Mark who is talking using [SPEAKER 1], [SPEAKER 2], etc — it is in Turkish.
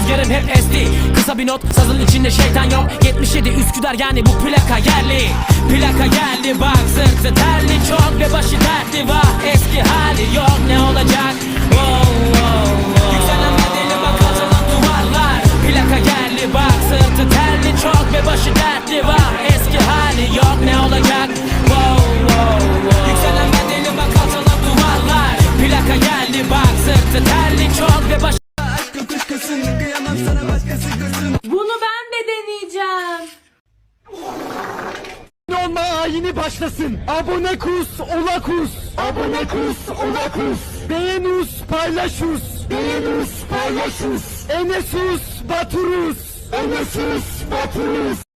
[SPEAKER 1] rüzgarım hep esti. Kısa bir not, sazın içinde şeytan yok. 77 Üsküdar, yani bu plaka yerli. Plaka geldi bak, sırtı terli çok ve başı dertli var. Eski hali yok, ne olacak? Wow, wow, wow. Yükselen bedeli bak, atılan duvarlar. Plaka geldi bak, sırtı terli çok ve başı dertli var. Eski hali yok, ne olacak? Wow, wow, wow. Yükselen bedeli bak, atılan duvarlar. Plaka geldi bak, sırtı terli çok ve başı.
[SPEAKER 2] Bunu ben de deneyeceğim.
[SPEAKER 3] Olma ayini başlasın. Abone kus, ola kus. Abone kus, ola kus. Beğenus, paylaşus. Beğenus, paylaşus. Enesus, baturus. Enesus, baturus.